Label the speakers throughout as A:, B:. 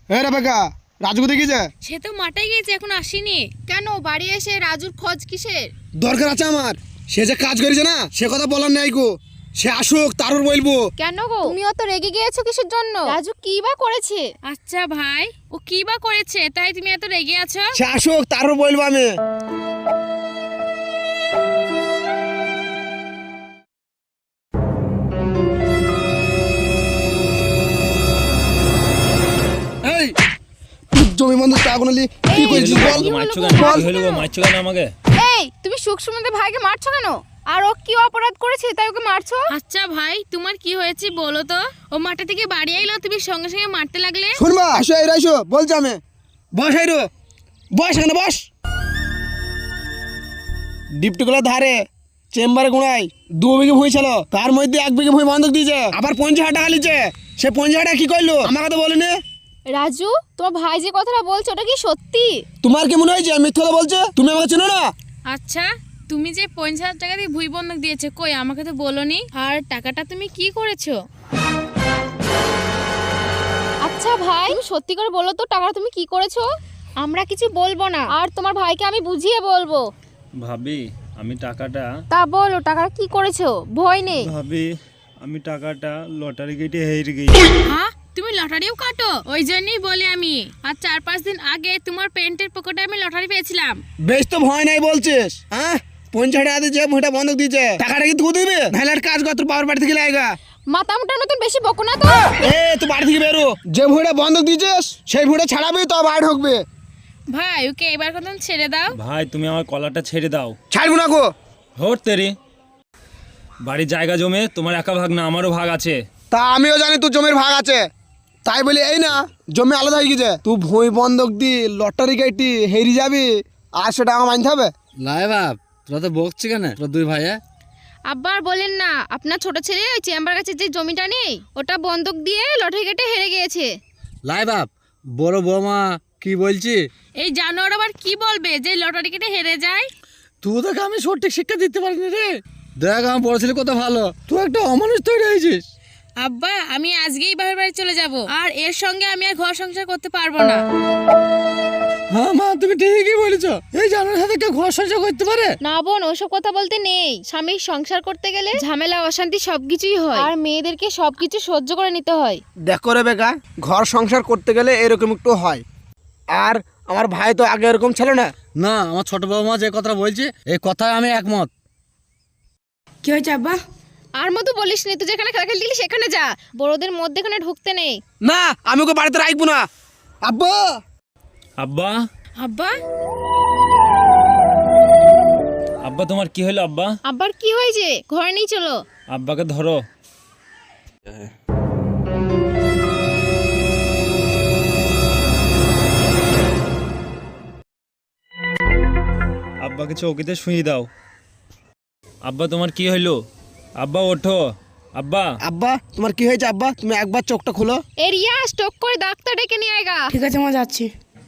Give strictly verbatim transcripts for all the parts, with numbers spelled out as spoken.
A: এ Rebecca, Raju কোথায় গেছে?
B: সে তো মাঠে গিয়েছে, এখন আসেনি। কেন বাড়ি এসে রাজুর খোঁজ কিসের?
A: দরকার আছে আমার। সে যে কাজ করেছে না, সে কথা বলার নাই গো। সে আসুক, তারপর বলবো।
B: কেন গো, তুমি অত রেগে গিয়েছো কিসের জন্য? রাজু কি বা করেছে? আচ্ছা ভাই, ও কি বা করেছে তাই তুমি এত রেগে আছো?
A: সে আসুক, তারপর বলবো আমি। এই জমি বন্ধ তা কোনলি কি কইছিস বল?
C: মারছো কেন? কি হলো গো? মারছো কেন আমাকে?
B: এই তুমি সুখ সুমন্দের ভাইকে মারছো কেন? আর ও কি অপরাধ করেছে তাই ওকে মারছো? আচ্ছা ভাই, তোমার কি হয়েছে বলো তো? ও মাঠে থেকে বাড়ি আইলো, তুমি সঙ্গে সঙ্গে মারতে লাগলে।
A: শুনবা, আসো এই রাইসো বলছি আমি। বস আইরো, বস এখানে বস। ডিপটিগুলো ধারে চেম্বারে গুণাই দু বিঘে ভুঁই ছিল, তার মধ্যে এক বিঘে ভুঁই বন্ধক দিয়েছে, আবার পঞ্চাশ হাজার টাকা লিছে। সে পঞ্চাশ হাজার টাকা কি করলো আমাকে তো বলেনি।
B: রাজু, তোমার ভাই যে কথাটা বলছো ওটা কি সত্যি?
A: তোমার কি মনে হয়েছে মিথ্যা কথা বলছে? তুমি আমাকে চেনো না?
B: আচ্ছা, তুমি যে পঞ্চাশ হাজার টাকা দিয়ে ভুই বন্ধক দিয়েছে, কই আমাকে তো বলোনি। আর টাকাটা তুমি কি করেছো? আচ্ছা ভাই, তুমি সত্যি করে বলো তো টাকাটা তুমি কি করেছো? আমরা কিছু বলবো না, আর তোমার ভাইকে আমি বুঝিয়ে বলবো।
C: ভাবি, আমি টাকাটা
B: তা বলো টাকাটা কি করেছো, ভয় নেই।
C: ভাবি আমি টাকাটা লটারি কেটে হেরে গেছি।
B: হ্যাঁ, তুমি লটারিও কাটো? ওই জন্যই বলি আমি। আর চার পাঁচ দিন আগে তোমার প্যান্টের পকেটে আমি লটারি পেয়েছিলাম।
A: বেশ তো ভয় নাই বলছিস? হ্যাঁ, পঞ্চাশ টাকা দিয়েছে, ভুঁইটা বন্ধক দিয়েছে, টাকাটা কি তুই দিবি? নাহলে একটা কাজ কর, তোর বাবার বাড়ি থেকে লাইগা।
B: মাথা মুটার মতন বেশি বকো না তো।
A: এ তুই বাড়ি থেকে বেরো। যে ভুঁইটা বন্ধক দিয়েছিস সেই ভুঁইটা ছাড়াবি তো বাড়ি ঢুকবে।
B: ভাই ওকে এবার কত ছেড়ে দাও।
C: ভাই তুমি আমার কলারটা ছেড়ে দাও।
A: ছাড়বো না গো।
C: হোর তেরি, বাড়ির জায়গা জমে তোমার একা ভাগ না, আমারও ভাগ আছে।
A: তা আমিও জানি তোর জমির ভাগ আছে, তাই বলি এই না জমি আলাদা হয়ে গেছে। তুই ভুঁই বন্ধক দি লটারি কাটি হেরি যাবি, আর সেটা আমার মানতে হবে?
D: লাই বাপ, তোরা তো বকছি কেন? তোরা দুই ভাইয়া
B: আব্বার বলেন না, আপনার ছোট ছেলে ওই চেম্বার কাছে যে জমিটা নেই ওটা বন্ধক দিয়ে লটারি কেটে হেরে গিয়েছে।
D: লাই বাপ, বড় বৌমা কি বলছি?
B: এই জানোয়ার আবার কি বলবে যে লটারি কেটে হেরে যায়?
D: তুই তোকে আমি সঠিক শিক্ষা দিতে পারিনি রে। দেখ আমার বড় ছেলে কত ভালো, তুই একটা অমানুষ তৈরি হয়েছিস।
B: আব্বা, আমি আজকেই বাবার বাড়ি চলে যাব, আর এর সঙ্গে আমি আর ঘর সংসার করতে পারবো না।
D: হ্যাঁ মা, তুমি ঠিকই বলেছো। এই জানার সাথে কেউ ঘর সংসার করতে পারে?
B: না বোন, ওসব কথা বলতে নেই। স্বামীর সংসার করতে গেলে ঝামেলা অশান্তি সবকিছুই হয়, আর মেয়েদেরকে সবকিছু সহ্য করে নিতে হয়।
A: দেখো রে বেকা, ঘর সংসার করতে গেলে এরকম একটু হয়। আর আমার ভাই তো আগে এরকম ছিল না।
D: না, আমার ছোট বৌমা যে কথাটা বলছে এই কথায় আমি একমত।
B: কি হয়েছে আব্বা? আর মতো বলিস নি, তুই যেখানে খেলা খেলতে গেলি সেখানে যা, বড়দের মধ্যে এখানে ঢুকতে নেই।
A: না, আমি ওকে বাড়িতে রাখবো না। আব্বা,
C: আব্বা,
B: আব্বা,
C: আব্বা তোমার কি হলো আব্বা?
B: আব্বার কি হয়েছে? ঘরে নেই, চলো।
C: আব্বাকে ধরো। আব্বাকে চৌকিতে শুয়ে দাও। আব্বা তোমার কি হইলো? আব্বা ওঠো। আব্বা,
A: আব্বা তোমার কি হয়েছে? আব্বা তুমি একবার চোখটা খুলো।
B: এরিয়া স্টক করে ডাক্তার ডেকে নিয়ে আয়গা।
E: ঠিক আছে মা, যাচ্ছি।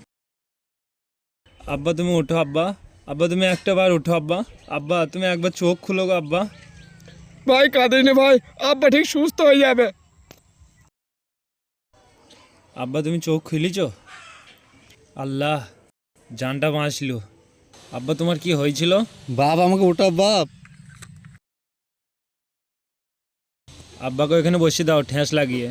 C: আব্বা তুমি উঠো। আব্বা, আব্বা তুমি একটা বার উঠো। আব্বা, আব্বা তুমি একবার চোখ খুলো গো। আব্বা,
A: ভাই কাঁদিনি ভাই, আব্বা ঠিক সুস্থ হয়ে যাবে।
C: আব্বা তুমি চোখ খুলিছ? আল্লাহ, জানটা বাঁচলো। আব্বা তোমার কি হয়েছিল?
D: বাপ আমাকে ওটা বাপ।
C: আব্বাকে এখানে বসিয়ে দাও ঠেস লাগিয়ে।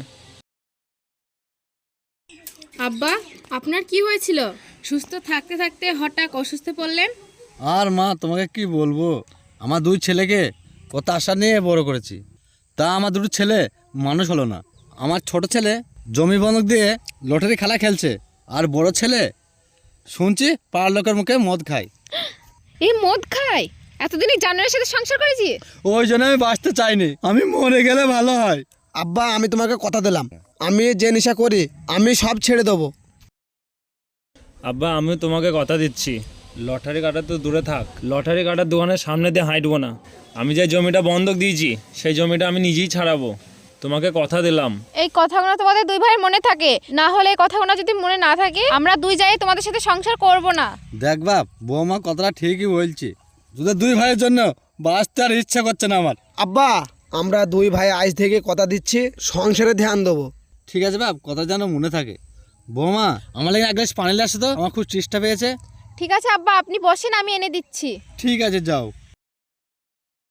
B: আব্বা, আপনার কি হয়েছিল? সুস্থ থাকতে থাকতে হঠাৎ অসুস্থ পড়লেন।
D: আর মা তোমাকে কি বলবো, আমার দুই ছেলেকে কত আশা নিয়ে বড় করেছি, তা আমার দুটো ছেলে মানুষ হলো না। আমার ছোট ছেলে জমি বন্ধক দিয়ে লটারি খেলা খেলছে, আর বড় ছেলে শুনছি পাড়ার লোকের মুখে মদ খায়।
B: এই মদ খায়? এতদিনই জানোয়ারের সাথে সংসার করেছি।
D: ওই জন্য আমি বাঁচতে চাইনি, আমি মরে গেলে ভালো হয়।
A: আব্বা আমি তোমাকে কথা দিলাম, আমি যে নেশা করি আমি সব ছেড়ে দেবো।
C: আব্বা আমিও তোমাকে কথা দিচ্ছি, লটারি কাটা তো দূরে থাক, লটারি কাটার দোকানের সামনে দিয়ে হাঁটবো না। আমি যে জমিটা বন্ধক দিয়েছি সেই জমিটা আমি নিজেই ছাড়াবো, তোমাকে কথা দিলাম।
B: এই কথাগুলো তোমাদের দুই ভাইয়ের মনে থাকে, না হলে এই কথাগুলো যদি মনে না থাকে আমরা দুই যাই তোমাদের সাথে সংসার করব না।
D: দেখ বাপ, বৌমা কথাটা ঠিকই বলছে, তোদের দুই ভাইয়ের জন্য বাঁচতে আর ইচ্ছা করছে না আমার।
A: আব্বা আমরা দুই ভাই আজ থেকে কথা দিচ্ছি সংসারে ধ্যান দেবো।
D: ঠিক আছে বাপ, কথা যেন মনে থাকে। বৌমা আমার লাগে এক গ্লাস পানি নিয়ে আসো তো, আমার খুব চেষ্টা পেয়েছে।
B: ঠিক আছে আব্বা, আপনি বসেন, আমি এনে দিচ্ছি।
D: ঠিক আছে যাও।